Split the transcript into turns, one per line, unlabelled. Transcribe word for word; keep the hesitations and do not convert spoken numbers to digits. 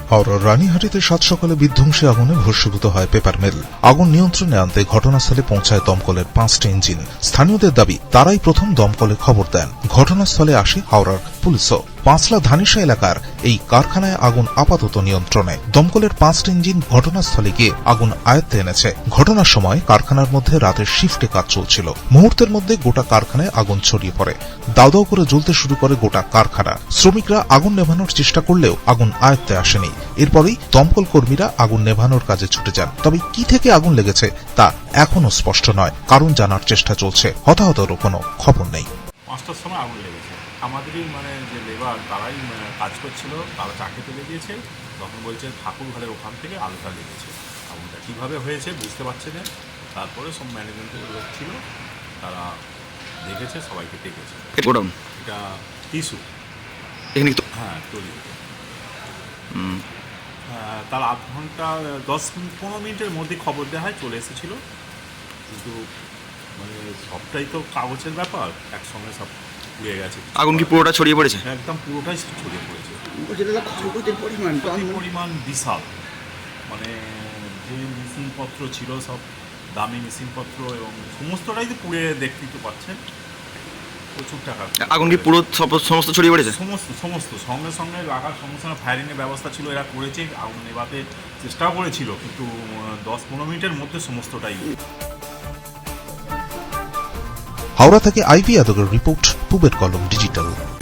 হাওড়ার রানীহাটিতে সাত সকালে বিধ্বংসী আগুনে ভস্মীভূত হয় পেপার মিল। আগুন নিয়ন্ত্রণে আনতে ঘটনাস্থলে পৌঁছায় দমকলের পাঁচটি ইঞ্জিন। স্থানীয়দের দাবি, তারাই প্রথম দমকলে খবর দেন। ঘটনাস্থলে আসে হাওড়ার পুলিশও। পাঁচলা ধানিসা এলাকার এই কারখানায় আগুন আপাতত নিয়ন্ত্রণে। দমকলের পাঁচটি ইঞ্জিন ঘটনাস্থলে গিয়ে আগুন আয়ত্তে এনেছে। ঘটনার সময় কারখানার মধ্যে রাতের শিফটে কাজ চলছিল। মুহূর্তের মধ্যে গোটা কারখানায় আগুন ছড়িয়ে পড়ে। দাউ দাউ করে জ্বলতে শুরু করে গোটা কারখানা। শ্রমিকরা আগুন নেভানোর চেষ্টা করলেও আগুন আয়ত্তে আসেনি। এরপরই দমকল কর্মীরা আগুন নেভানোর কাজে ছুটে যান। তবে কি থেকে আগুন লেগেছে তা এখনো স্পষ্ট নয়। কারণ জানার চেষ্টা চলছে। হতাহতেরও কোনো খবর নেই।
পাঁচটার সময় আগুন লেগেছে। আমাদেরই মানে যে লেবার তারাই কাজ করছিল, তারা চাকরি তুলে দিয়েছে। তখন বলছে ঠাকুর ঘরের ওখান থেকে আলোটা লেগেছে। আগুনটা কীভাবে হয়েছে বুঝতে পারছে না। তারপরে সব ম্যানেজমেন্টের লোক ছিল, তারা দেখেছে, সবাইকে ডেকেছে। এটা টিস্যু হ্যাঁ তৈরি। তার আধ ঘন্টা দশ মিনিট পনেরো মিনিটের মধ্যে খবর দেওয়া হয়, চলে এসেছিলো। কিন্তু মানে সবটাই তো কাগজের ব্যাপার, একসঙ্গে সব পুড়ে গেছে।
আগুন কি পুরোটা ছড়িয়ে পড়েছে?
একদম পুরোটাই ছড়িয়ে পড়েছে।
পরিমাণ
পরিমাণ বিশাল। মানে যে মেশিনপত্র ছিল সব দামি মেশিনপত্র এবং সমস্তটাই তো পুড়ে দেখতেই তো পাচ্ছেন। প্রচুর টাকা।
আগুন কি পুরো সমস্ত ছড়িয়ে পড়েছে?
সমস্ত সমস্ত সঙ্গে সঙ্গে লাগার সঙ্গে সঙ্গে ফায়ারিংয়ের ব্যবস্থা ছিল, এরা করেছে। আগুন নেভাতে চেষ্টাও করেছিল, কিন্তু দশ পনেরো মিনিটের মধ্যে সমস্তটাই।
হাওড়া থেকে আইভি যাদবের রিপোর্ট, পূবের কলম ডিজিটাল।